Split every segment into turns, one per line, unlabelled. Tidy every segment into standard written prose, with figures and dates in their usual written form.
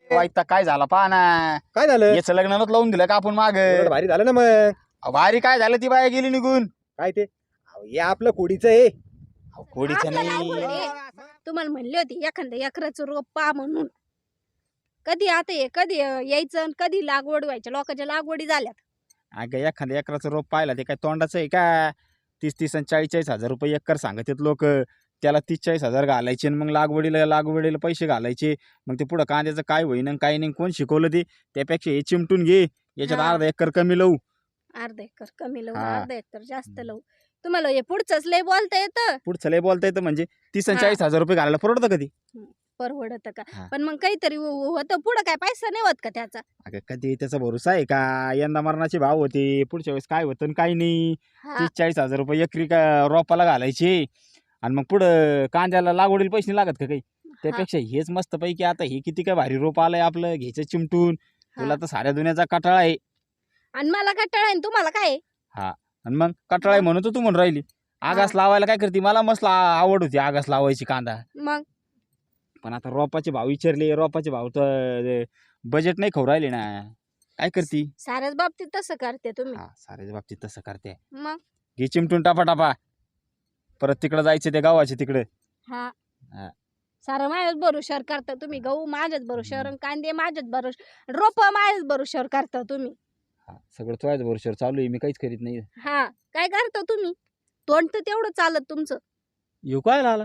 वाईट काय झाला पहा ना.
काय झालं?
याचं लग्नालाच लावून दिलं का आपण माग.
उलट भारी झालं ना मग.
वारी काय झालं ती बाया गेली निघून.
काय ते हे आपलं कोडीचं आहे.
कोडीचं
आपलं
नाही.
लागवड आहे. तुम्हाला म्हणली होती एखादं एकराचं रोप पा म्हणून. कधी आता हे कधी यायचं आणि कधी लागवड व्हायच्या लोकांच्या लागवडी झाल्यात.
अगं एखाद्या एकराचं रोप पाहिला ते काय तोंडाचं आहे का. 30-30 आणि 40-40 हजार रुपये एकर सांगतात लोक. त्याला 30-40 हजार घालायचे आणि मग लागवडीला पैसे घालायचे. मग ते पुढं कांद्याचं काय होईन आणि काय नाही कोण शिकवलं ते. त्यापेक्षा हे चिमटून घे. याच्यात
हा.
अर्धा एकर कमी लावू.
अर्धा एकर कमी लावू
हा.
अर्धा एकर जास्त लावू. तुम्हाला हे पुढचंच लय बोलता येतं.
पुढचं लय बोलता येतं म्हणजे 30 आणि
हा.
40 हजार रुपये घालायला परवडतं कधी.
परवडत का
हा.
पण मग काहीतरी होतं पुढं काय पैसा नाही होत का त्याचा.
अगं कधी त्याचा भरोसा आहे का. यंदा मरणाचे भाव होते. पुढच्या वेळेस काय होतं आणि काय नाही.
हा.
30-40 हजार रुपये एकरी का रोपाला घालायचे. आणि मग पुढं कांद्याला लागवडीला पैसे नाही लागत का काही. त्यापेक्षा हेच मस्त पैकी आता हे किती काय भारी रोप आलंय आपलं घ्यायचं चिमटून. तुला तर साऱ्या दुनियाचा कटाळा आहे.
आणि मला कंटाळा आहे आणि तुम्हाला काय आहे?
आणि मग कटाळा आहे म्हणून तर तू म्हणून राहिली. आगास लावायला काय करते. मला मस्त आवड होती आगास लावायची कांदा.
मग
पण आता रोपाचे भाव विचारले. रोपाचे भाव तर बजेट नाही खाऊ राहिले ना. काय करती.
साऱ्याच बाबतीत तसं करते तुम्ही.
साऱ्याच्या बाबतीत तसं करते.
मग
घे चिमटून टापा परत तिकडं जायचं ते गावाचे तिकडे.
हा
हा.
सारं माझ्याच भरोशावर करता तुम्ही. गहू माझ्याच भरोशावर आणि कांदे माझ्याच भरोशावर रोप माझ्याच भरोशावर करता तुम्ही.
सगळं तुझ्याच भरोश्यावर चालू आहे. मी काहीच करीत नाही.
हा काय करता तुम्ही. तोंड तर तेवढं चालत तुमचं.
येऊ काय आला.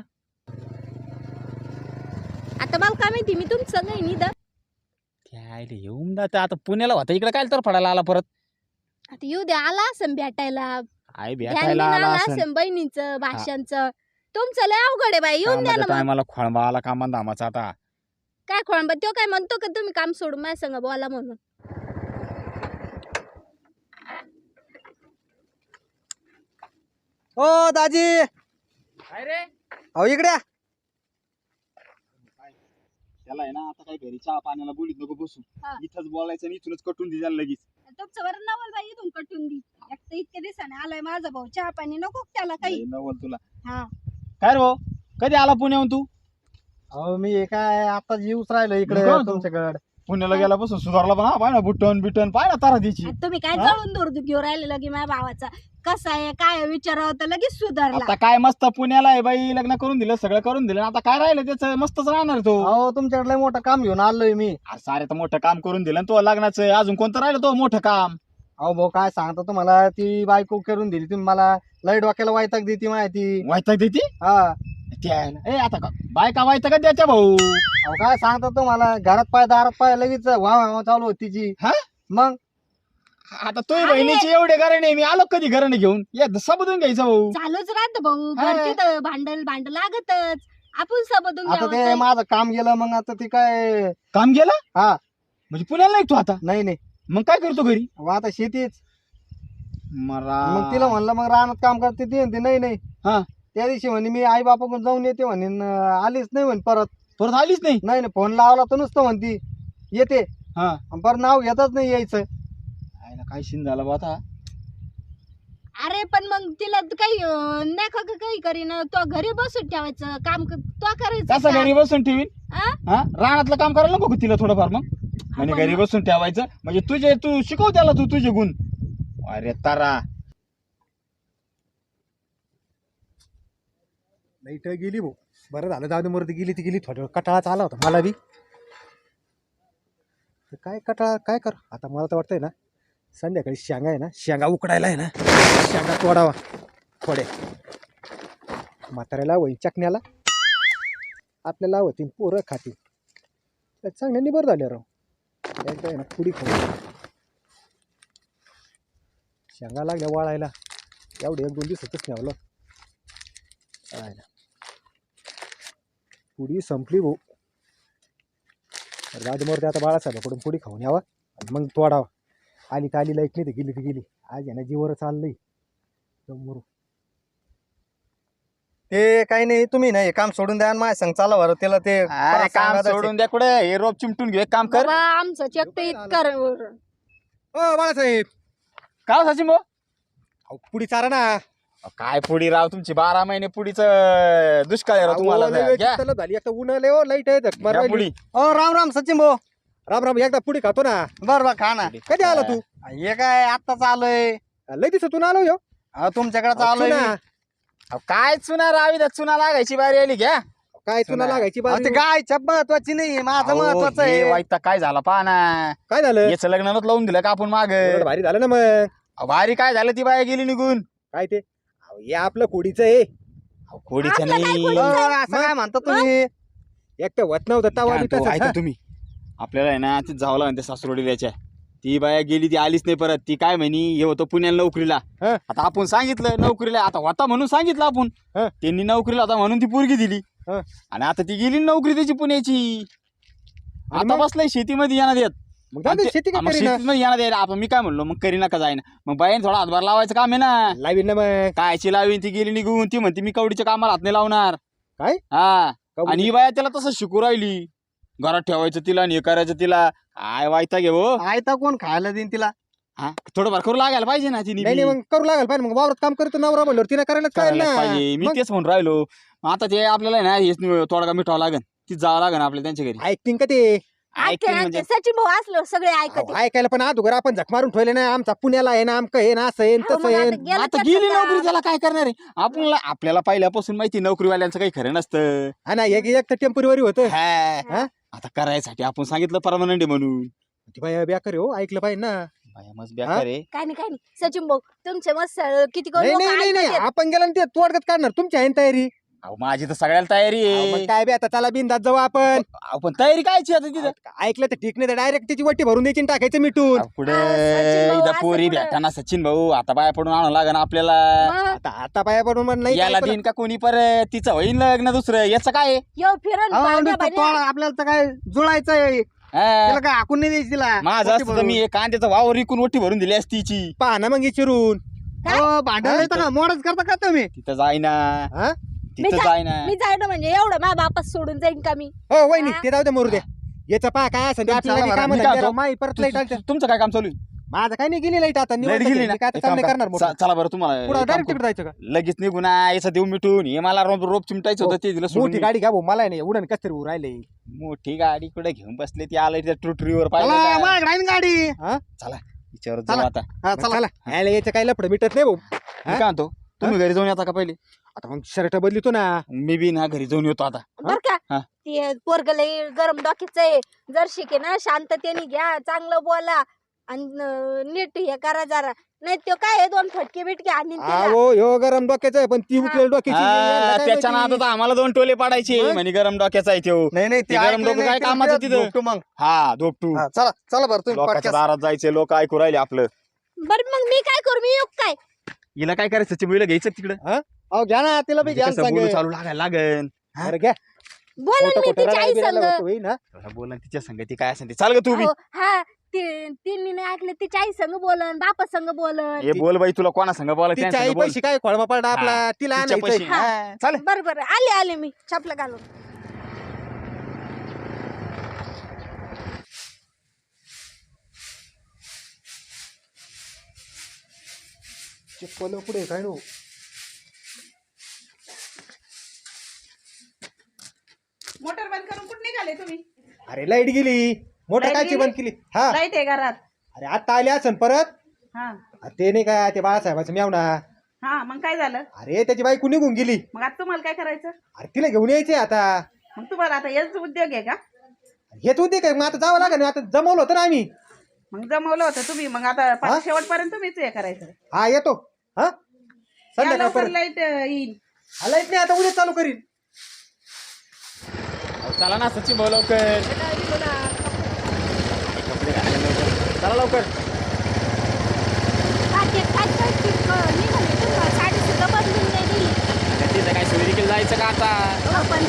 आता मला काय माहिती मी तुमचं नाही निदा.
त्याला येऊन जातं आता पुण्याला होता इकडे काय तर फडायला आला परत.
आता येऊ द्या आला असं भेटायला.
आई
ध्यान
भेटायला
देणं
आला
आला
असं.
असं बहिणीचं भाषांचं. तुमचं लय अवघड आहे बाई येऊन द्या ना मग.
टायमाला खोळंबा आला कामान धामाचा आता.
काय खोळंबा तो काय म्हणतो का तुम्ही काम सोडून माझ्या संग बोला म्हणून.
ओ दाजी
काय रे.
अहो इकडे या.
त्याला आहे ना आता काय घरी चहा पाण्याला बोलीत नको बसू.
हा.
इथंच बोलायचं आणि इथूनच कटून दे त्याला लगेच.
तुमचं बरं नवल बाई इथून कटून दी. एक तर इतके दिवसाने आलाय माझा भाऊ चहा पाणी नको का त्याला काही.
लय नवल तुला.
हा
काय रे भाऊ कधी आला पुण्याहून तू.
अहो मी काय आता येऊच राहिलो इकडे
निघा तू.
तुमच्याकडे.
पुण्याला गेल्यापासून सुधारला पण. पाय ना बिटन पाय ना तारा द्यायची.
आता तुम्ही काय
हा?
जळून दूर घेऊन राहिले लगे माझ्या भावाचा. कसा आहे काय विचारावं तर लगेच सुधारला.
आता काय मस्त पुण्याला आहे बाई. लग्न करून दिलं सगळं करून दिलं. आता काय राहिलं त्याचं मस्तच राहणार तो.
अहो तुमच्याकडे लय मोठं काम घेऊन आलोय मी.
सारे तर मोठं काम करून दिलं तो लग्नाचं. अजून कोणतं राहिलं तो मोठं काम.
अहो भाऊ काय सांगतो तुम्हाला ती बायको करून दिली तुम्ही मला. लय डोक्याला वैताग देती माहिती.
वायताक देते.
हा
ए आता का बायका वायताक द्यायच्या भाऊ.
अहो काय सांगतो तुम्हाला घरात पाय दारात पाय लगेच वा चालू होती तिची.
हा?
मग
आता तुझी बहिणीची एवढे घराणे मी आलो कधी घराने घेऊन. या सबदून घ्यायचं भाऊ.
चालूच राहत भाऊ
हा.
घरची तर भांड लागतच. आपण सबदून
आता ते
घ्यावं.
माझं काम गेलं मग आता ती काय.
काम गेलं.
हा
म्हणजे पुण्याला नाही तू आता.
नाही
मग काय करतो घरी.
मग आता शेतीच.
मरा
मग तिला म्हणलं मग रानात काम करते ती म्हणते नाही.
हा.
त्या दिवशी म्हणे मी आई बापाकडून जाऊन येते म्हणे आलीच नाही म्हणे
परत आलीच नाही.
नाही फोन लावला तर नुसतं म्हणती येते.
हा
आणि परत नाव घेतच नाही यायचं.
आईला काय सीन झाला बा आता.
अरे पण मग तिला काही नाही का काही करीन तो घरी बसून ठेवायचं काम तो करायचं
कसं
का?
घरी बसून ठेवीन.
हा?
हा रानातलं काम करायला नको का तिला थोडंफार मग. म्हणजे
आपण
घरी बसून ठेवायचं म्हणजे तू शिकव त्याला तुझे गुण. अरे तारा
लाईट गेली भाऊ. बरं झालं जाऊ दे मरती गेली ती गेली. थोड्या वेळ कटाळाच आला होता मला बी. तर काय कटाळा काय कर आता मला तर वाटतंय ना संध्याकाळी शेंगा आहे ना शेंगा उकडायला आहे ना शेंगा तोडावा थोडे. म्हाताऱ्याला वही चकण्याला आपल्याला होती पोरं खाती. चांगल्यानी बरं झाले राव. एकदा आहे ना पुडी खाऊ. शेंगा लागल्या वाळायला. एवढे 1-2 दिवसातच न्यावलं. पुडी संपली भाऊ. राजमोरते आता बाळासाहेबाकडून पुडी खाऊन यावा आणि मग तोडावा. आली तर आली लाईट नाही तर गेली तर गेली. आज आहे ना जीवर चाललंय. ते काही नाही तुम्ही नाही काम सोडून द्या आणि माझ्या संग चाला बरं त्याला ते
अरे काम सोडून द्या कुठे. हे रोप चिमटून घे काम कर.
बाबा, आमचं चेक तर इतकं
ओ बाळासाहेब
का सचिन भाऊ.
अहो, पुडी चारा ना.
काय पुडी राव तुमची 12 महिने पुडीच दुष्काळ आहे राव तुम्हाला.
अहो, लय वेळ
घ्या.
चित्तलं झाली. आता ऊन आले हो लाईट आहे
घ्या पुडी.
राम राम सचिन भाऊ. राम राम एकदा पुढे खातो ना.
बरं खा ना.
कधी आला तू?
हे काय आत्ताच आलोय.
लय दिवसातून आलो ह्यो.
तुमच्याकडे आलोय
चुना.
मी.
अहो, काय चुना रावी चुना लागायची बारी आली घ्या.
काय चुना लागायची
अहो,
बाजू?
ते गायच्या महत्वाची नाही माझं महत्वाचं आहे.
वाईट काय झाला पहा ना.
काय झालं?
याचं लग्नालाच लावून दिलं का आपण माग.
एवढं भारी झालं ना मग.
भारी काय झालं ती बाया गेली निघून.
काय ते अहो, हे आपलं कोडीचं आहे.
खोडीचं
आपलं काय
नाही.
खोडीचं?
असं काय म्हणता तुम्ही?
एक तर वत नव्हतं तवा बी तसंच,
ऐका
हा.
तुम्ही आपल्याला आहे ना ती जावं लागेल त्या सासरोडील्याच्या. ती बाया गेली ती आलीच नाही परत. ती काय म्हणी हे होतं पुण्याला नोकरीला.
हा.
आता आपण सांगितलं नोकरीला आता होता म्हणून सांगितलं आपण.
हा.
त्यांनी नोकरीला होता म्हणून ती पोरगी दिली.
हा.
आणि आता ती गेली नोकरी त्याची पुण्याची.
आणि
आता
मग?
बसलाय शेतीमध्ये येणार येत.
मग जाऊ दे, शेती काय करीना?
शेतीमध्ये येणार येत. आपण मी काय म्हणलो मग करीना का जाईना. मग बाईने थोडा हातभार लावायचं काम आहे ना.
लावीन ना मग.
कायची लावीन ती गेली निघून. ती म्हणते मी कवडीच्या कामाला हात नाही लावणार.
काय?
हा.
कवडी?
आणि ही बाया त्याला तसं शिकू राहिली. घरात ठेवायचं तिला आणि हे करायचं तिला. काय वायता घे हो.
आयता कोण खायला देईन तिला?
हा थोडंफार करू लागायला पाहिजे ना तिने
नाही
बी.
नाही, मग करू लागेल पाहिजे. मग वावरात काम करतो नवरा म्हणल्यावर तिने करायलाच काय
करायलाच
ना.
पाहिजे. मी
मग
तेच म्हणून राहिलो. मग आता ते आपल्याला आहे ना हेच तोडगा मिठावं लागेल. ती जावं लागेल आपल्या त्यांच्या घरी.
ऐकतीन का ते?
ऐकतील म्हणजे
सचिन भाऊ असलो सगळे ऐकते.
अहो, ऐकायला पण अगोदर आपण झक मारून ठेवले ना. आमचा पुण्याला आहे ना आमकं आहे ना असं आहे न
हो,
तसं
मग
आहे.
आता गेलं
आता
तर
गेली
आता.
नोकरी त्याला काय करणार आहे. आपल्याला पहिल्यापासून माहिती नोकरीवाल्यांचं काही खरं नसतं.
हा ना, एक तर टेम्पररी होतं.
हा. आता करायसाठी आपण सांगितलं परमनंट आहे म्हणून.
ती बाई बेकार आहे हो, ऐकलं पाहिजे ना.
बाया मस्त बेकार आहे.
काय नाही सचिन भाऊ तुमचे मस्त किती
नाही नाही नाही नाही, आपण गेलो ना ते तोडगत काढणार. तुमची आहे ना तयारी?
अहो माझी तर सगळ्याला तयारी
अहो, मग
आहे.
काय बे आता चला बिंदात जाऊ आपण.
आपण तयारी कायची आता तिथं.
ऐकलं तर ठीक नाही तर डायरेक्ट त्याची वट्टी भरून द्यायची आणि टाकायचं मिटून.
अहो, पुढे
सचिन भाऊ,
इथं
असं
पोरी
पुढं.
भेटाना सचिन भाऊ आता बाया पडून आणावं लागेल आपल्याला.
आता आता पाया पडून मग नाही
याला
काय
देईन का कोणी परत तिचं होईन लग्न दुसरं याचं काय आहे?
यो फिरण
अहो,
पाण्या
नुसतं
पाण्या.
तोड आपल्याला तर काय जुळायचंय.
हा.
तिला काय हाकून नाही द्यायची तिला.
माझं
वटी
असतं तर
भरून.
मी कांद्याचा वावर विकून ओटी भरून दिली असती तिची.
पहा ना मग चिरून.
अहो, भांडण येतं का मोडच करता का तुम्ही?
तिथं जाईना.
हा?
तिथं जाईना.
मी जायचं म्हणजे एवढं माझ्या बापास सोडून जाईन का मी.
हो वहिनी
हा?
ते जाऊ दे मरू द्या. याचं पहा काय असं ते आपल्याला
चला
बी
बरं,
कामं
मी काय
धंदे
म्हणतो?
राव, माई परत लाईट आली.
तुमचं काय काम चालू आहे?
माझं काय नाही गेली लाईट आता
लाईट
निवांत
गेली
गेली.
ना
काय आता
एक
काम
काम
नाही
करा.
करणार मोठं.
चला बरं तुम्हाला
पुढं
एक काम
डायरेक्ट
करू.
तिकडे जायचं का?
लगेच निघून याचं देऊ मिटून हे मला रोप चिमटायचं होतं ते दिलं
मोठी
सोडून.
गाडी घ्या भाऊ, मला नाही उडण कस तरी राहिले.
मोठी गाडी कुठे घेऊन बसले ती आलं त्या ट्रुटरीवर
चला,
पाहिजे.
माझ्याकडे आहे ना गाडी.
विचारत
चला.
जाऊ आता.
हा,
मग
चला.
चला यायला याचं काही लफडं मिटत नाही भाऊ.
मी काय म्हणतो तुम्ही घरी जाऊन येता का पहिले.
आता मग शर्ट बदलितो ना.
मी बी ना घरी जाऊन येतो आता.
बर का
हा.
ते पोरग लय गरम डोक्याचं आहे. जर शिके ना शांततेने घ्या चांगलं बोला आणि नीट हे करा जरा. नाही तो काय आहे, दोन फटके बिटके आणि
हो ह्यो गरम डोक्याचं आहे पण ती
हा.
उकलेल डोक्याची. याला काय
त्याच्या
माहिती?
नादात आम्हाला 2 टोले पाडायचे
मग?
म्हणे गरम डोक्याचा आहे तो.
नाही नाही
ते गरम डोकं काय कामाचं तिथं?
मग
हा धोपटू
हा, चला चला बरं तुम्ही
लोकांच्या
podcast.
दारात जायचे लोक ऐकू राहिले आपलं.
बर मग मी काय करू मी येऊ काय.
हिला काय करायचं चिमुळीला घ्यायचं तिकडं.
अहो घ्या ना तिला बी घ्या
कसं बोलू
सांग.
चालू लागायला लागन.
अरे घ्या.
बोला
खोटं
मी
खोटं
तिच्या आई
रडायला
संग.
बिडायला होईल ना.
बोला तिच्या संगती काय असेल ते चाल ग तू बी.
अहो, हा तिने नाही ऐकलं तिच्या आई संग बोलन बापा संग बोलन.
हे बोल बाई तुला कोणा संग बोला
तिच्या आई पैसे काय खोळमा पडला आपला तिला आणायचं.
हा.
चाल.
बर आले मी छापलं घालून.
चिपकलं पुढे काय नो.
मोटर बंद करून कुठे निघाले तुम्ही?
अरे लाईट गेली. मोटर
लाईट
कायची
गेली?
बंद केली. हा
लाईट आहे घरात.
अरे आता आले असन परत.
हा
अरे ते नाही काय ते बाळासाहेबाचं मेवना.
हा मग काय झालं?
अरे त्याची बायको निघून गेली.
मग आता तुम्हाला काय करायचं?
अरे तिला घेऊन यायचे आता.
मग तुम्हाला आता हेच उद्योग आहे का?
हेच होते काय मग आता जावं लागेल. आता जमवलं होतं ना आम्ही.
मग जमवलं होतं तुम्ही. मग आता
हा?
शेवटपर्यंत तुम्हीच हे करायचं.
हा येतो. हा
या
संध्याकाळ
लवकर
परत.
लाईट येईल.
लाईट नाही आता उद्या चालू करीन.
चला ना सचिन भाऊ लवकर. कपडे घाला लवकर. चला लवकर.
साडी सुद्धा बदलून नाही दिली.
तिथं काय सोयरीकडे जायचं का आता.
पण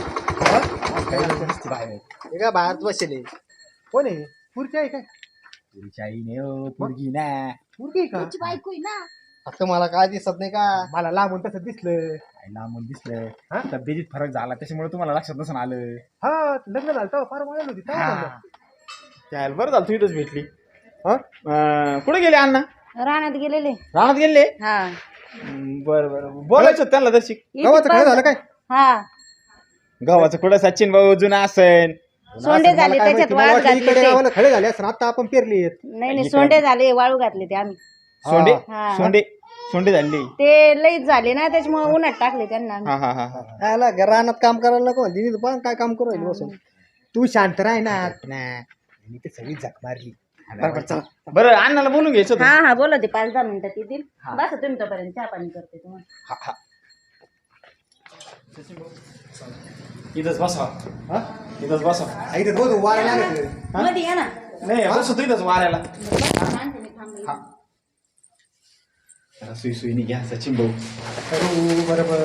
हे काय बाहेर बसले. कोण आहे? खुर्ची आहे काय?
तुमची आई नाही हो पोरगी ना.
मुलगी का
तुझी बायको आहे ना.
आता मला काय दिसत नाही का?
मला लांबून तसं दिसलं.
आई लांबून दिसलं
हा?
तब्येतीत फरक झाला त्याच्यामुळे तुम्हाला लक्षात नसून आलं.
हा लग्न झालं तेव्हा फार वाढलं होती तेव्हा झालं.
त्याला बरं झालं तू इथंच भेटली.
हा?
कुठे गेले अण्णा?
रानात गेलेले.
रानात गेले.
हा
बरं बरं बोलायचं होतं त्यांना दर्शिक.
गावाचं काय झालं काय?
हा
गावाचं कुठं सचिन भाऊ जुना असेल.
सोंडे
मला
झाले
काय
त्याच्यात
माहिती, मला
वाळू
वाटलं
घातले
इकडे
ते.
गावाला खडे झाले असं आता आपण पेरली आहेत.
नाही सोंडे झाले वाळू घातले ते आम्ही.
सोंडे
हा.
सोंडे सोंडे झाले.
ते लईच झाले ना त्याच्यामुळे उन्हात टाकले त्यांना आम्ही.
हा हा हा हा
आला रानात काम करायला नको दिनी पण काय काम करू राहिली बसून.
तू शांत राह ना. मी ते सगळी झक मारली.
बरोबर चला.
बरं अण्णाला बोलून घ्यायचं होतं.
हा हा बोला ते 5-10 मिनिटात येतील. बस तुम्ही तोपर्यंत चहा पाणी करते तुम्हाला.
हा, हा. इथंच बसा.
हा?
इथंच बसा.
आई तर बोल वारायला लागत.
मध्ये या ना.
नाही बसतो इथंच वाऱ्याला.
आणते मी थांबले.
हा. जरा सुई सुईनी घ्या सचिन भाऊ.
करू बरोबर.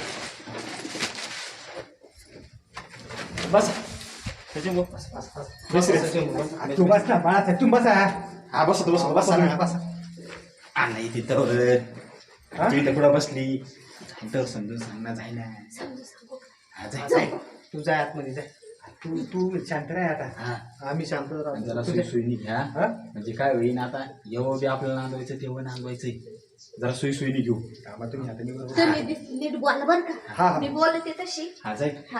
बस सचिन भाऊ बस रे.
तू बस ना बाळा तू बसा.
हा बसतो बसतो बसा ना बसा. नाही तिथं
हा?
तू इथं कुठं बसली तर समजून सांग ना जाय ना. हा, जाय जाय.
तू जाय आतमध्ये जाय. तू तू शांत राह आता.
हा.
आम्ही शांत
जरा
राहतो.
सुई सुईनी घ्या.
हा?
म्हणजे काय होईन आता एवढं बी आपल्याला नांदवायचं तेव्हा नांदवायचंय. जरा सुई सुईनी घेऊ.
कामा तुम्ही हाताने बरोबर.
तुम्ही नीट बोला बरं
हा,
का.
हा.
मी बोलते तशी.
हा जाय.
हा.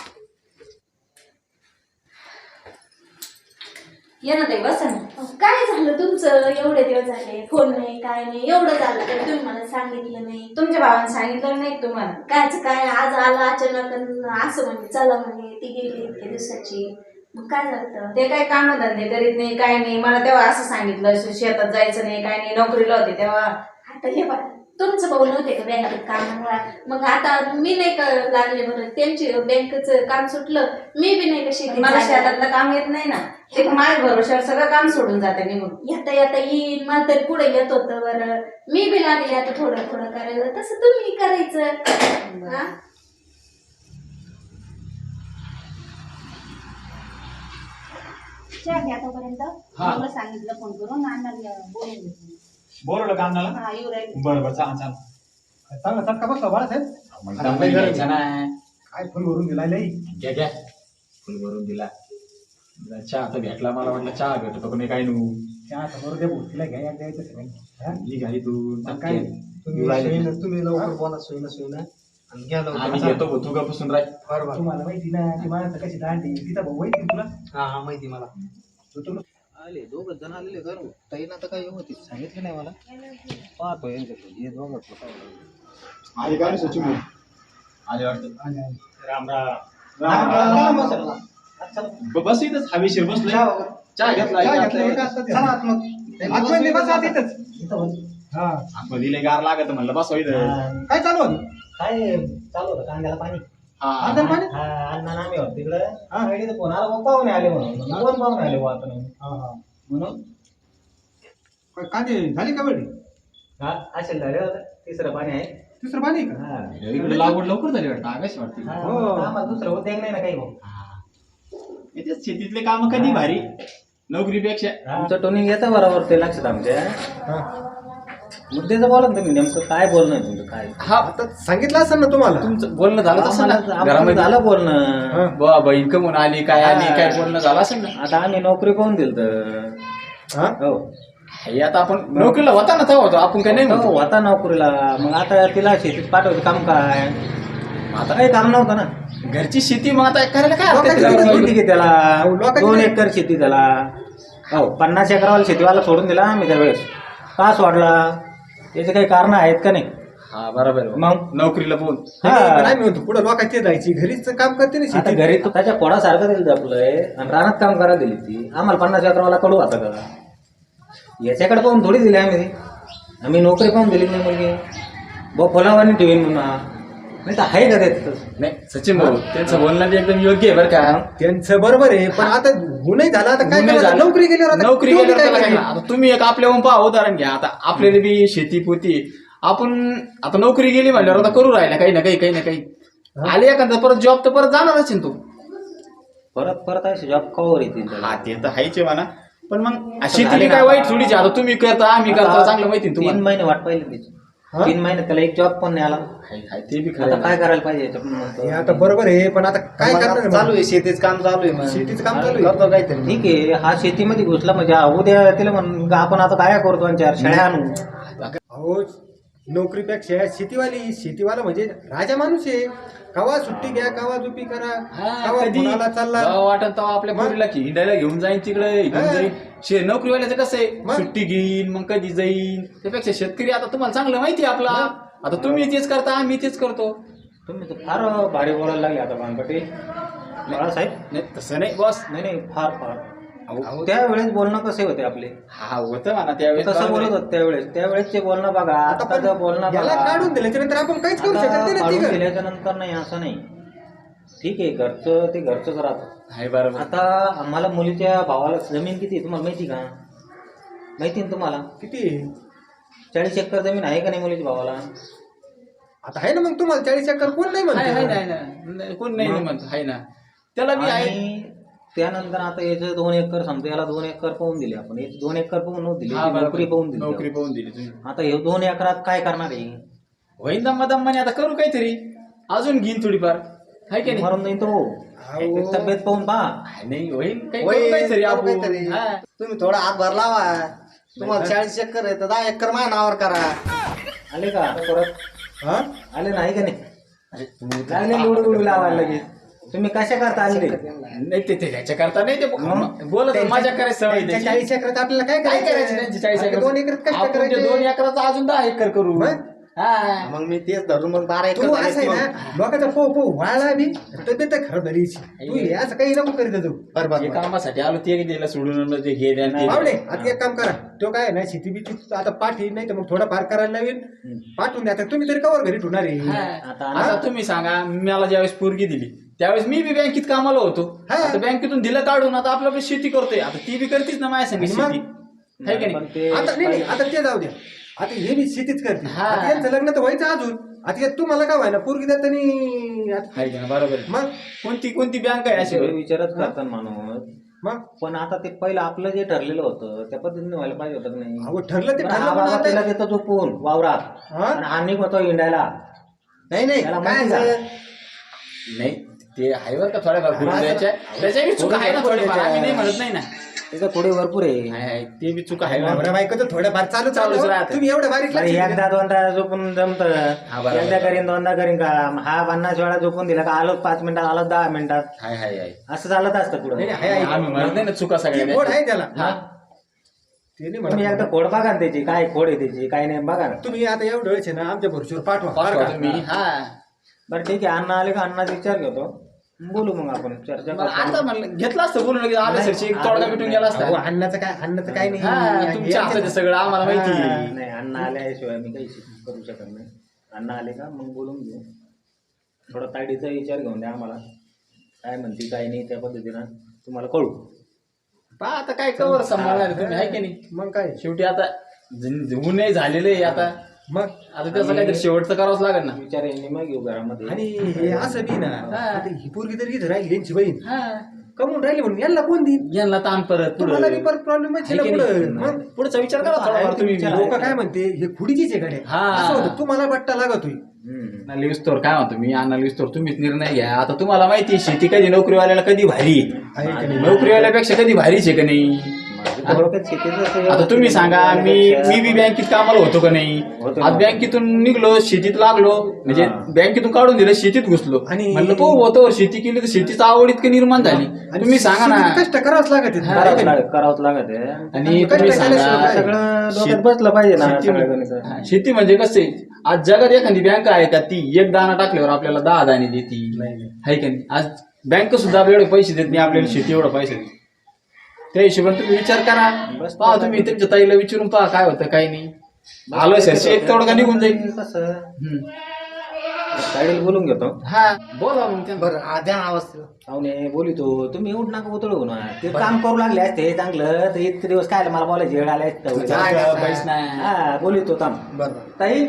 या ना ताई बसा ना. काय झालं तुमचं एवढे दिवस झाले फोन नाही काय नाही एवढं झालं तर तुम्ही मला सांगितलं नाही.
तुमच्या भावाने सांगितलं नाही तुम्हाला.
कायच काय आज आला अचानक अन असं म्हणे चला म्हणे ती गेली इतक्या दिवसाची. मग काय झालं?
ते काय कामधंदे करीत नाही काय नाही. मला तेव्हा असं सांगितलं शेतात जायचं नाही काय नाही. नोकरीला होते तेव्हा.
आता हे बघा तुमचं भाऊ नव्हते का बँकेत कामामुळे. मग आता मी नाही का लागले बरं त्यांची बँकेचं काम सुटलं. मी बी नाही का शेतीत
मला
जायला.
शेतातलं काम येत नाही ना. ते माझ्या भरोश्यावर सगळं काम सोडून जाते निघून.
येता येता येईन मला तरी पुढे येत होतं बरं. मी बी लागले आता थोडं थोडं करायला तसं तुम्ही करायचं. हा? चहा घ्या तोपर्यंत.
हा.
मला सांगितलं फोन करून अण्णाला बोलून घेतलं.
बोलवलं का अण्णाला?
हा येऊ राहिले.
बरं बरं चाल चाल.
चांगला चटका बसला बाळासाहेब.
मग दम नाही घ्यायचा ना.
काय फुल भरून दिला लई.
घ्या घ्या. फुल भरून दिला. चहा तर भेटला मला वाटलं चहा भेटतो पण काय नू.
चहा समोर दे भाऊ. तिला घ्या द्यायचं सगळं. हा?
ही घाई तू
काय?
तुम्ही लवकर बोला सोयीनं आणि घ्या लवकर.
आम्ही घेतो भाऊ, तू गपासून राह.
बरोबर.
तुम्हाला माहिती ना ती माणसं कशी दांडी तिचा भाऊ माहिती तुला.
हा हा माहिती मला.
तू
आले दोघं जण आलेले घर ताईनं आता काय होती सांगितलं नाही मला. पाहतो यांच्याकडे हे दोघं
आले काय सचिन भाऊ? आले वाटतं.
राम राम.
बस इथंच हवेशीर बसलोय. चहा घेतला
आतमध्ये बसा तिथंच. हा.
आतमध्ये लय गार लागत म्हणलं बसवा इथं.
काय चालू होतं?
काय चालू होतं कांद्याला पाणी
आता पाणी?
अण्णा नामे होत तिकडं रेडीचं फोन आला मग पाहुणे आले म्हणून कोण पाहुणे आले बुवा आता म्हणून
काय कांदे झाली का वेळी?
हा असेल झाले होतं तिसरं पाणी आहे
दुसरं पाणी आहे का?
हा.
इकडे लागवड लवकर झाली वाटतं आकाश वाटते.
हा,
हो.
आम्हाला दुसरं उद्योग नाही ना काही भाऊ
याच्यात शेतीतले काम कधी भारी नोकरीपेक्षा.
तुमचं टोनिंग येतं बरोबर ते लक्षात आमच्या
हा.
मुद्द्याचं बोला ना तुम्ही नेमकं काय बोलणं आहे तुमचं काय
हा
आता सांगितलं असेल ना तुम्हाला.
तुमचं बोलणं झालं तसं ना
आम्हाला
घरामध्ये
झालं बोलणं
बा बहीण कमून आली काय आली काय बोलणं झालं असेल ना.
आता आम्ही नोकरी पाहून दिल तर
हा?
हो
हे आता आपण नोकरीला होता ना तेव्हा होतो आपण काय नाही
हो,
म्हणतो.
होता नोकरीला मग आता तिला शेतीत पाठवायचं काम काय आता काही काम नव्हतं ना
घरची शेती मग आता करायला काय हरकत
लोकांची
आहे?
शेती किती त्याला
लोकांची
2
नाही.
एकर शेती त्याला हो 50 एकरावाला शेतीवाला सोडून दिला आम्ही त्यावेळेस का सोडला त्याचे काही कारण आहेत का नाही
हा बरोबर आहे.
मग
नोकरीला बोल.
पण आम्ही म्हणतो पुढे लोकांची जायची घरीच काम करते ना
आता
शेती.
घरी तो त्याच्या पोडासारखं दिलं आपलंय आणि रानात काम करायला दिली ती आम्हाला 50 एकरावाला कडू आता का याच्याकडे पाहून थोडी दिली आम्ही नोकरी पाहून दिली नाही मुलगी भाऊ फुलावानी ठेवीन म्हणा नाही तर आहे का त्याचं
नाही सचिन भाऊ त्यांचं बोलणं बी एकदम योग्य आहे बरं का.
त्यांचं बरोबर आहे पण आता गुन्हे झाला आता काय
गुन्हे
करायचं?
झाले.
नोकरी गेल्यावर आता
नोकरी
तुम्ही
गेल्यावर
काय
त्याला काय
करायचं?
करणार? आता तुम्ही एक आपल्याहून पहा उदाहरण घ्या. आता आपल्याला बी शेती पोती आपण आता नोकरी गेली म्हणल्यावर आता करू राहिला काही ना काही आले एखादा परत जॉब तर परत जाणारच आहे ना तू.
परत असे जॉब कवर येतील त्याला
हा ते तर हायचे म्हणा पण मग शेती काय वाईट थोडीच आहे. आता तुम्ही करता आम्ही करता चांगलं माहिती ना
3
तुम्हाला.
महिने वाट पाहिली त्याची. 3 महिने त्याला एक जॉब पण नाही आला.
ते बी
आता
खरं
काय करायला पाहिजे याच्यातून म्हणतो.
हे आता बरोबर आहे, पण आता काय
मग
करणार
आता
आहे
चालू
मग?
आहे शेतीचं काम चालू आहे मग.
शेतीचं काम चालू आहे.
करतो काहीतरी.
ठीक आहे, हा शेतीमध्ये घुसला म्हणजे उद्या तिला म्हण आपण आता काय करतो आणि 4 शेळ्या आणू.
अहो नोकरीपेक्षा शेतीवाला म्हणजे राजा माणूस आहे. कवा सुट्टी घ्या, कवा झोपी करा, कवा
कधी
पुण्याला चालला.
वाटत तेव्हा आपल्या पोरीला हिंडायला घेऊन जाईन तिकडे घेऊन जाईन. नोकरीवाल्याचं कसं आहे सुट्टी घेईन मग कधी जाईन. त्यापेक्षा शेतकरी आता तुम्हाला चांगलं माहिती आहे आपला. आता तुम्ही तेच करता आम्ही तेच करतो.
तुम्ही तर फार भारी बोलायला लागले आता बाळासाहेब. बाळासाहेब
नाही तसं नाही बॉस.
नाही फार त्यावेळेस बोलणं कसे होते आपले.
हा होतं म्हणा त्यावेळेस
कसं बोलत होत त्यावेळेसचे बोलणं बघा, आताचं बोलणं
याला
बघा.
काढून दिल्याच्या नंतर आपण काहीच करू शकत
आता
नाही ना
काढून
तिघं.
दिल्याच्या नंतर नाही असं नाही. ठीक आहे, घरचं ते घरचंच राहतं.
आहे बरोबर.
आता आम्हाला मुलीच्या भावाला जमीन किती आहे तुम्हाला माहिती का? माहिती ना तुम्हाला?
किती आहे?
40 एकर जमीन आहे का नाही मुलीच्या भावाला?
आता आहे ना मग तुम्हाला 40 एकर कोण नाही
आहे
म्हणत?
ना कोण नाही म्हणत आहे ना त्याला बी आहे.
आणि त्यानंतर आता याचं 2 एकर समजा, याला 2 एकर पाहून दिले आपण. याची 2 एकर पाहून नव्हती दिली,
हा,
ती
बरोबर.
नोकरी पाहून दिली.
नोकरी पाहून दिली तुम्ही.
आता हे 2 एकरात काय करणार आहे?
होईन दम्माने आता करू काहीतरी अजून घेईन थोडीफार आहे की नाही.
मरून जाईन तो. एक तब्येत पाहून पहा.
नाही होईन काही
होय,
करू काहीतरी
करू
आपण.
काहीतरी.
हा.
तुम्ही थोडा हातभार लावा. तुम्हाला 40 एकर आहे तर 10 एकर माझ्या नावावर करा.
आले का परत?
हा?
आले नाही का नाही? लागले लुडू लावायला लगेच. तुम्ही कशा करता आले?
नाही ते त्याच्या करता नाही ते बोलत मजा करायची सवय
त्या
त्याची.
40 एकरात आपल्याला काय
काय करायचं
करायचं?
त्यांची 40
आता 2 एकरात
एकर
कष्ट
आपण ते
करायचे.
2 एकराचा अजून 10 एकर करू.
मग?
हा.
मग मी तेच धरून मग 12 एकर
तू असं आहे
झाले
ना, लोकांचा पो वाळला बी तब्येत खराब झाली. तू हे असं काही नको करीत तू.
बरोबर.
जे कामासाठी आलो ते दिलं सोडून ते घे द्या आणि ते
पावडे
द्या.
आता एक काम करा, तो काय आहे ना शेती बिती आता पाठी नाही तर मग थोडा फार करायला लावेल, पाठवून द्या. आता तुम्ही तरी कवर घरी ठेवणार आहे.
हा.
आता
आता तुम्ही सांगा मला ज्यावेळेस पोरगी दिली त्यावेळेस मी बी बँकेत कामाला होतो.
हा.
आता बँकेतून दिलं काढून आता आपलं आपली शेती करतोय. आता ती बी करतीच ना माझ्या संग
मग?
शेती आहे की
पण
नाही.
ते
आता नाही आता ते जाऊ द्या. आता हे मी शेतीच करते.
हा.
आता यांचं लग्न तर व्हायचं अजून. आता हे तुम्हाला काय व्हायना पोरगी देत
आहे की नाही? बरोबर आहे.
मग
कोणती बँक आहे अशी
सगळे विचारच करतात माणूस.
मग
पण आता ते पहिलं आपलं जे ठरलेलं होतं त्या पद्धतीने व्हायला पाहिजे होतं की नाही?
अहो ठरलं ते
पण
ठरलं
हा
पण
बाबा
आता-
तिला देतो झोपून वावरात
हा?
आणि हा निघतो हिंडायला.
नाही नाही
त्याला
काय
माहिती
झालं?
नाही ते आहे बरं का थोड्याफार भरून द्यायच्या त्याच्या बी चुका आहे ना थोड्याफार आम्ही नाही म्हणत नाही ना.
त्याचं थोडे भरपूर आहे.
आहे, ते बी चुका आहे ना.
नवरा बायको तर थोडंफार चालूच
चालूच राहतं.
तुम्ही एवढं बारीक
अरे
लक्ष
एकदा दोनदा झोपून जमत.
हा, बरोबर.
एकदा करीन दोनदा करीन का? हा 50 वेळा झोपून दिला का आलो 5 मिनिटात, आलो 10 मिनिटात.
आहे
असं चालत असतं पुढे.
नाही, आहे.
आम्ही म्हणत नाही ना चुका
ती गोड
सगळ्या.
आहे त्याला.
हा.
ते नाही
तुम्ही एकदा
म्हणत.
खोड बघा ना त्याची, काय खोड आहे त्याची काय नाही बघा ना.
तुम्ही आता एवढं वेळेस आहे ना आमच्या भरशीवर पाठवा बरं
पाठवा
का?
तुम्ही. हा.
बरं ठीक आहे, अण्णा आले का अण्णाचा विचार घेतो, बोलू मग आपण चर्चा
मला
करू.
आता म्हणलं घेतलं असतं बोलून लगेच आलं सरशी एक तोडगा भेटून गेला
अहो,
असता.
अन्नाचं काय नाही.
हा, तुमच्या हातात आहे सगळं आम्हाला माहिती
हा.
आहे.
नाही, अण्णा आल्याशिवाय मी काही करू शकत नाही. अण्णा आले का मग बोलून घेऊ. थोडा ताडीचा विचार घेऊन द्या आम्हाला, काय म्हणते काय नाही त्या पद्धतीनं तुम्हाला कळू.
पहा आता काय कवर सांभाळणार तुम्ही आहे की नाही.
मग काय
शेवटी आता गुन्हे झालेले आहे आता.
मग
आता त्याचं काहीतरी शेवटचं करावंच लागेल ना.
विचार यांनी मग घेऊ घरामध्ये.
आणि हे असं बी ना
हा.
आता ही पोरगी तरी इथं राहिली यांची बहीण
हा.
कमवून राहिली म्हणून यांना कोण देईन?
यांना ताण परत
तुम्हाला बी
पुढं.
परत प्रॉब्लेम
आहे की
पुढे.
नाही?
मग
पुढचा विचार करा थोडाफार तुम्ही.
विचार.
लोक काय म्हणते हे खुडीचीच आहे गाड्या.
हा.
असं होतं तुम्हाला बट्टा लागत होईल.
हम्म.
लिविस्तोर काय म्हणतो मी अण्णा लिविस्तोर तुम्हीच निर्णय घ्या. आता तुम्हाला माहिती आहे शेती कधी नोकरीवाल्याला कधी भारी आहे.
आहे का नाही?
नोकरीवाल्यापेक्षा कधी भारीच आहे का नाही.
माझं तर डोक्यात शेतीचं असं
आता तुम्ही सांगा मी बी बँकेत कामाला होतो का नाही.
होतो
आज
ना.
बँकेतून निघलो शेतीत लागलो म्हणजे
हा.
बँकेतून काढून दिलं शेतीत घुसलो
आणि-
म्हणलं तो होतो शेती केली तर शेतीची आवड इतकी निर्माण झाली.
आणि
तुम्ही सांगा ना.
शेतीत कष्ट करावंच लागत आहे.
हा.
आहे का नाही?
करावंच लागत आहे.
आणि
कष्ट
तुम्ही
केल्याशिवाय
सांगा
काय?
सगळं डोक्यात
शेत-
बसलं पाहिजे ना
शेती
सगळं
म्हणजे-
गणित.
हा, शेती म्हणजे कसं आहे आज जगात एखादी बँक आहे का ती एक दाना टाकल्यावर आपल्याला 10 दाणे देते आहे का नाही. आज बँक सुद्धा आपल्याला एवढे पैसे देत नाही आपल्याला शेती एवढं पैसे देते. त्या हिशोबाने तुम्ही विचार करा.
बस
पहा तुम्ही तुमच्या ताईला विचारून पहा काय होतं काय नाही. आलं सरशी एक तोडगा निघून जाईल.
कसं
हम्म.
गाडीला बोलून घेतो.
हा बोला मग त्यांना.
बरं आद्या आवाज
पाहुणे बोलितो तुम्ही उठ नका उतळू ना. ते काम करू लागले असते चांगलं तर इतके दिवस काय मला बोलायचे वेळ आले असते.
पैसे नाही.
हा बोलितो थांब.
बरं
ताई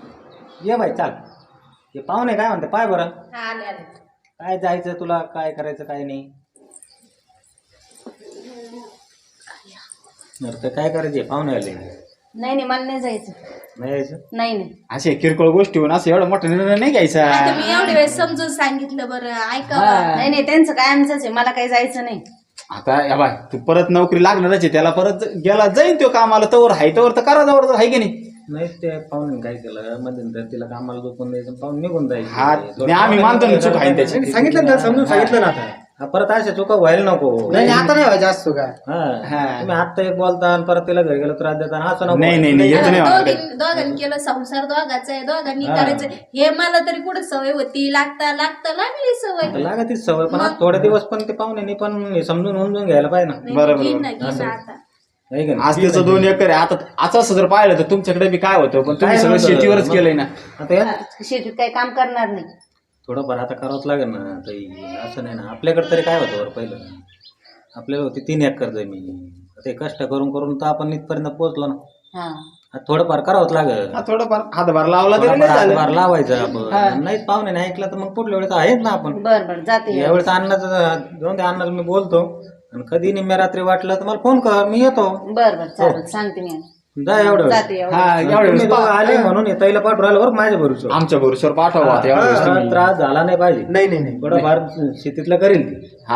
ये बाई चाल. हे पाहुणे काय म्हणते पाय बरं
हा, आले आले.
काय जायचं तुला काय करायचं काय नाही. तर काय करायचे पाहुणे आले
नाही मला नाही जायचं.
नाही यायचं.
नाही
असे किरकोळ गोष्टीहून असं एवढा मोठा निर्णय नाही घ्यायचा.
आता मी एवढे वेळेस समजून सांगितलं बरं ऐका.
नाही त्यांचं काय आमचंच आहे, मला काही जायचं नाही.
आता या बाय तू परत नोकरी लागणारच आहे त्याला, परत गेला जाईन तो कामाला, तवर हाय तवर तर करा जवळ आहे की नाही.
नाही ते पाहुणे काय केलं मध्यंतर तिला कामाला झोपून द्यायचं पाहून निघून
हा
जायचं.
नाही, आम्ही मानतो ना चूक आहे त्याची.
सांगितलं ना त्याला, समजून सांगितलं ना आता.
हा, परत अशा चुका व्हायला नको.
नाही आता नाही व्हायचं असतो का.
हा तुम्ही आता एक बोलता आणि परत तिला घरी गेलो त्रास देता असं नको.
नाही नाही नाही येत नाही होणार काही.
दोघांनी केलं संसार दोघांचा आहे, दोघांनी करायचं हे मला तरी कुठे सवय होती. लागता लागली सवय.
लागा ती सवय पण आज थोडे दिवस पण ते पाहुणे पण समजून उमजून घ्यायला पाहिजे ना.
बरोबर.
घेईन ना आता.
नाही का नाही?
आज त्याचं 2 एकर आहे. आता असं जर पाहिलं तर तुमच्याकडे बी काय होतं, पण तुम्ही सगळं
नव्हतं.
शेतीवरच केलंय ना.
आता या
शेतीत काही काम करणार नाही.
थोडंफार आता करावंच लागेल ना ताई. असं नाही ना आपल्याकडे तरी काय होतं बरं पहिलं आपल्याला होती 3 एकर जमीन. ते कष्ट करून करून तर आपण इथपर्यंत पोहोचलो ना.
हा
आता थोडंफार करावंच लागेल.
हा, थोडंफार हातभार लावला तरी
थोडंफार
नाही झालं.
हातभार लावायचं आपण. नाहीच पाहुणे नाही ऐकलं तर मग पुढल्या वेळेस आहेत ना आपण.
बरं जाते.
यावेळेस अन्नाचं जाऊन त्या अन्नाला मी बोलतो आणि कधी निम्म्या रात्री वाटलं तर मला फोन कर, मी येतो.
बरं चालेल सांगते मी.
जा एवढं
जाते एवढं.
हा एवढ्या
तुम्ही
वेळेस
दोघं आले म्हणून ताईला पाठवून राहिलं बरं माझ्या भरोश्यावर.
आमच्या भरोश्यावर पाठवा आता एवढ्या वेळेस तुम्ही.
त्रास झाला नाही पाहिजे.
नाही नाही नाही
थोडंफार शेतीतलं करेल ती.
हा,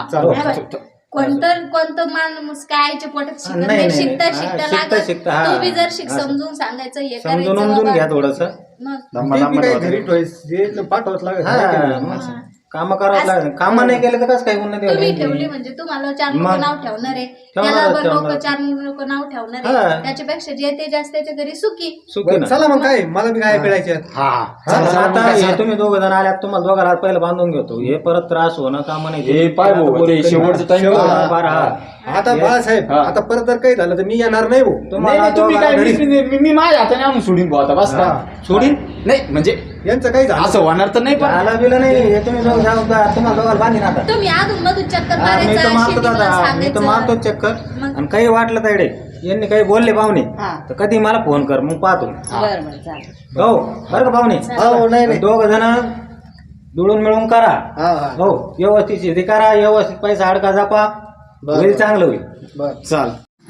कोणतं माणूस काय आईच्या पोटात शिकत
नाही,
नाही.
नाही.
शिकता
हा,
शिकता
शिकता,
लागत.
शिकता, हा.
तू बी जर
असं.
समजून सांगायचं हे
समजून
करायचं
उमजून
बाबा.
घ्या थोडस.
मग
दम्मा
ते
दम्मा
बी काय
ठेवा
घरी
तुम्ही.
ठेवायचं पाठवत लागत.
काम करावं लागेल. काम नाही केलं तर कसं काय उन्नती
तुम्ही
होईल?
ठेवली म्हणजे तुम्हाला 4 लोक
मग.
नाव ठेवणार आहे.
ठेवणार,
त्याला लोक
ठेवणार.
4 लोक नाव ठेवणार
हा.
आहे. त्याच्यापेक्षा जे ते जास्त त्याच्या घरी सुखी.
सुखी ना.
चला मग काय मला बी काय कळायचं.
हा
चला, आता हे तुम्ही दोघं जण आल्यात तुम्हाला दोघांना पहिलं बांधून घेतो. हे परत त्रास होणं काम नाही.
हे पाय भाऊ, ते शेवटचं time
शेवटचं बारा, हा.
आता बाळासाहेब
हा.
आता परत जर काही झालं तर मी येणार नाही भाऊ.
नाही,
तुम्हाला
नाही, तुम्ही काय
दोघांना घरी-
मी माझ्या हाताने आणून सोडीन भाऊ आता बस का. सोडीन नाही म्हणजे
यांचं काही झालं
असं होणार तर नाही पण
झालं बिलं नाही. हे तुम्ही दोघं जाऊ का? तुम्हाला दोघांना बांधीन आता.
तुम्ही अजून मधून चक्कर
हा, मी तर
मारायचं
मारतो
शेतीला
दादा, मी तर
सांगायचं.
मारतो चक्कर.
मग.
आणि काही वाटलं तायडे यांनी काही बोलले पाहुणे
हा
तर कधी मला फोन कर, मग पाहतो.
बरं चालेल.
हो बरं का पाहुणे.
हो नाही नाही
दोघ जण जुळून मिळून करा.
हा हा
हो व्यवस्थित शेती करा, व्यवस्थित पैसा अडका जापा, होईल चांगलं होईल.
बर
चाल.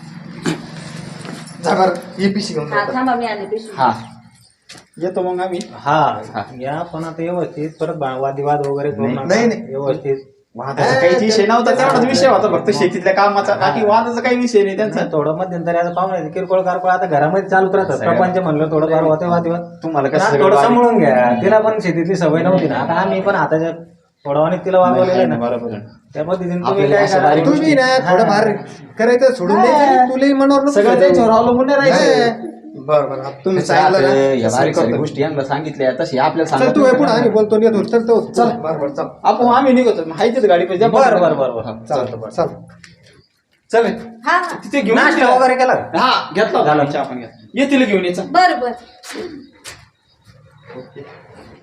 जा बरं ही पिशी घेऊन
हा
जा.
थांबा मी आले पिशवी.
हा येतो मग आम्ही.
हा या पण आता व्यवस्थित परत वादिवाद वगैरे करू नका.
नाही, नाही.
व्यवस्थित
वादाचा काही विषय नव्हता, तेवढाच विषय होता फक्त शेतीतल्या कामाचा. बाकी वादाचा काही विषय नाही त्यांचा.
नाही, थोडं मध्यंतरी आता पाहुणे किरकोळ कारकोळ आता घरामध्ये चालूच राहतात. प्रपंच म्हणलं थोडं फार होते वादिवाद.
तुम्हाला
पण
कसं
आता
सगळं
थोडं
बारीक-
सांभाळून घ्या. तिला पण शेतीतली सवय नव्हती ना. आता आम्ही पण हाताच्या थोडं तिला वागवलेलं आहे ना.
बरोबर आहे.
त्या पद्धतीने तुम्ही
आपल्याला
काय
असं
करा.
बारीक
तुम्ही ना थोडंफार करायचं सोडून द्यायचं. तुलाही मनावर नको
सगळं
घेऊ.
त्यांच्यावर अवलंबून नाही राहायचं.
बरं बरं आता तुम्ही
तसं
सांगितलं
आता
ना,
या
तसं
बारीक सारीक
करतो.
गोष्टी यांना सांगितल्या तशी आपल्याला
चल
सांगत
तू
नाही.
पुढे आम्ही बोलतो येतो. चल तो चल बरं बरं चल
आपण आम्ही निघतो हाय तिथे गाडी पाहिजे.
बरं बरं बरं बरं.
चालतं बरं चल चल
हा
तिथे घेऊन
नाश्ता वगैरे केला का?
हा घेतला झाला चहा पण घेतला. येतील घेऊन यायचा.
बर बर.